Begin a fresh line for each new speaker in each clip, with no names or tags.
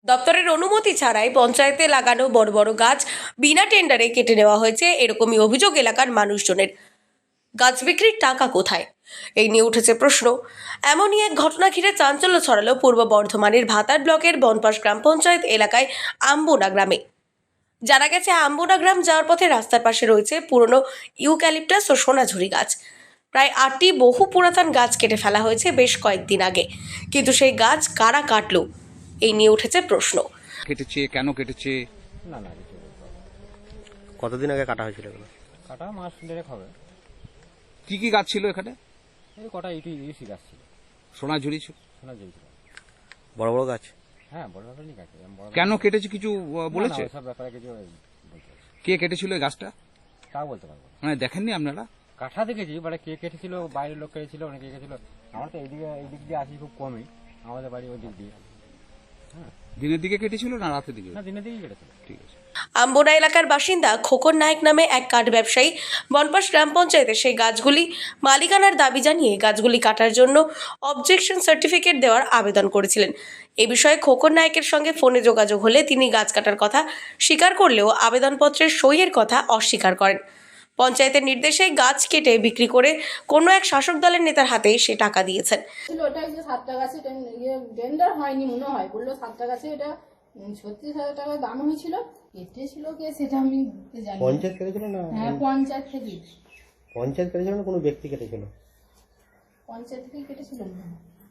দপ্তরের অনুমতি ছাড়াই পঞ্চায়েতে লাগানো বড় বড় গাছ বিনা টেন্ডারে কেটে নেওয়া হয়েছে, এরকমই অভিযোগ এলাকার মানুষজনের। গাছ বিক্রির টাকা কোথায়, এই নিয়ে উঠেছে প্রশ্ন। এমনই এক ঘটনা ঘিরে চাঞ্চল্য ছড়ালো পূর্ব বর্ধমানের ভাতার ব্লকের বনপাশ গ্রাম পঞ্চায়েত এলাকায় আম্বোনা গ্রামে। জানা গেছে, আম্বোনা গ্রাম যাওয়ার পথে রাস্তার পাশে রয়েছে পুরনো ইউক্যালিপটাস ও সোনাঝুরি গাছ। প্রায় 8টি বহু পুরাতন গাছ কেটে ফেলা হয়েছে বেশ কয়েকদিন আগে, কিন্তু সেই গাছ কারা কাটলো, এই নিয়ে উঠেছে প্রশ্ন।
কেটেছে, কেন কেটেছে?
না না কিছু বলতে পারবো না।
কতদিন আগে কাটা হয়েছিল এগুলো?
কাটা মাস দেড়েক হবে।
কি কি গাছ ছিল এখানে?
এই কটা ইউসি গাছ ছিল,
সোনাঝুরি ছিল।
শোনা যাইছিল।
বড় বড় গাছ?
হ্যাঁ বড় ব্যাপারই গাছ।
কেন কেটেছে কিছু বলেছে?
সব ব্যাপারে কিছু বলতে পারছি না।
কে কেটেছিল এই গাছটা?
তাও বলতে পারবো না।
মানে দেখেননি আপনারা?
কাঠা দেখেছি, মানে কে কেটেছিল, বাইরের লোক কেটেছিল, অনেকে কেটেছিল। আমার তো এই দিক দিয়ে আসি খুব কমই, আমাদের বাড়ি ওই দিক দিয়ে। হ্যাঁ,
দিনের দিকে কেটেছিল না রাতের দিকে?
না দিনের দিকেই কেটেছিল।
ঠিক আছে।
আম্বোনা এলাকার বাসিন্দা খোকন নায়ক নামে এক কাঠ ব্যবসায়ী বনপাশ গ্রাম পঞ্চায়েতে সেই গাছগুলি মালিকানার দাবি জানিয়ে গাছগুলি কাটার জন্য অবজেকশন সার্টিফিকেট দেওয়ার আবেদন করেছিলেন। এ বিষয়ে খোকন নায়কের সঙ্গে ফোনে যোগাযোগ হলে তিনি গাছ কাটার কথা স্বীকার করলেও আবেদনপত্রের সইয়ের কথা অস্বীকার করেন। পঞ্চায়েতের নির্দেশে গাছ কেটে বিক্রি করে কোনো এক শাসক দলের নেতার হাতে সে টাকা দিয়েছেন।
ওটা যে 7টা গাছে টেন্ডার হয়নি মনে হয়, বললো 7টা গাছে এটা 36,000 টাকা দাম হয়েছিল। কেটেছিল কে সেটা আমি জানি না।
পঞ্চায়েত কেটেছিল না?
হ্যাঁ পঞ্চায়েত থেকে।
পঞ্চায়েত কেটেছিল না কোনো ব্যক্তি কেটেছিল?
পঞ্চায়েত থেকে কেটেছিল না,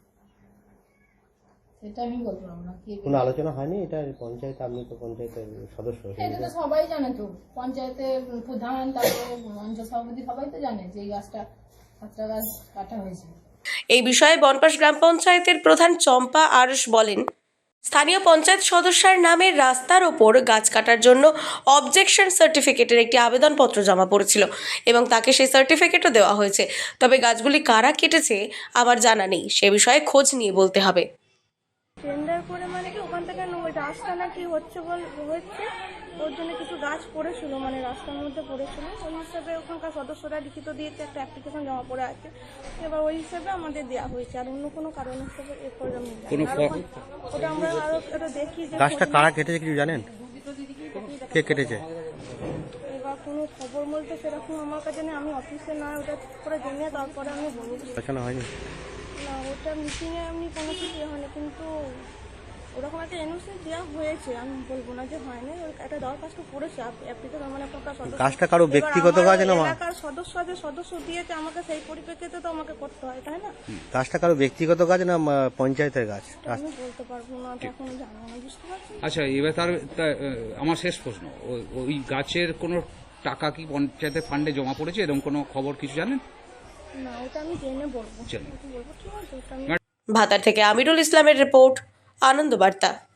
সেটা আমি বলতে পারবো না।
কোনো আলোচনা হয়নি এটা পঞ্চায়েত? আপনি তো পঞ্চায়েতের সদস্য।
এটা তো সবাই জানে, তো পঞ্চায়েতের প্রধান, তারপরে অঞ্চল সভাপতি সবাই তো জানে যে এই গাছটা 7টা গাছ কাটা হয়েছে।
এই বিষয়ে বনপাশ গ্রাম পঞ্চায়েতের প্রধান চম্পা আরশ বলেন, স্থানীয় পঞ্চায়েত সদস্যের নামে রাস্তার ওপর গাছ কাটার জন্য অবজেকশন সার্টিফিকেটের একটি আবেদনপত্র জমা পড়েছিল এবং তাকে সেই সার্টিফিকেটও দেওয়া হয়েছে। তবে গাছগুলি কারা কেটেছে আমার জানা নেই, সে বিষয়ে খোঁজ নিয়ে বলতে হবে।
টেন্ডার করে মানে কি ওখান থেকে রাস্তা নাকি হচ্ছে ওর জন্য কিছু গাছ পড়েছিল, মানে রাস্তার মধ্যে পড়েছিল। ওই হিসাবে ওখানকার সদস্যরা লিখিত দিয়েছে, একটা অ্যাপ্লিকেশন জমা পড়ে আছে, এবার ওই হিসাবে আমাদের দেওয়া হয়েছে। আর অন্য কোনো কারণ হিসাবে এরপর ওটা আমরা আরো এটা দেখি যে
গাছটা কারা কেটেছে কিছু জানেন? কে কেটেছে?
এবার কোনো খবর বলতে সেরকম আমার কাছে নেই, আমি অফিসে না ওটা করে জেনে তারপরে আমি বলবো।
আলোচনা হয়নি?
না ওটা মিটিংয়ে এমনি কোনো কিছু হয়নি, কিন্তু ওরকম একটা এনওসি দেওয়া হয়েছে, আমি বলবো না যে হয়নি। একটা দরখাস্ত করেছে অ্যাপ্লিকেশন, মানে আপনার সদস্য।
গাছটা কারো ব্যক্তিগত গাছ না?
এলাকার সদস্য যে সদস্য দিয়েছে আমাকে, সেই পরিপ্রেক্ষিতে তো আমাকে করতে হয়, তাই না?
গাছটা কারো ব্যক্তিগত গাছ না পঞ্চায়েতের গাছ?
আমি বলতে পারবো না, এখন জানো না, বুঝতে পারছি।
আচ্ছা, এবার আমার শেষ প্রশ্ন, ওই গাছের কোনো টাকা কি পঞ্চায়েতের ফান্ডে জমা পড়েছে এরকম কোনো খবর কিছু জানেন?
না ওটা আমি জেনে বলবো।
জানেন।
বলবো, ঠিক আছে। ওটা আমি
ভাতার থেকে আমিরুল ইসলামের রিপোর্ট, আনন্দ বার্তা।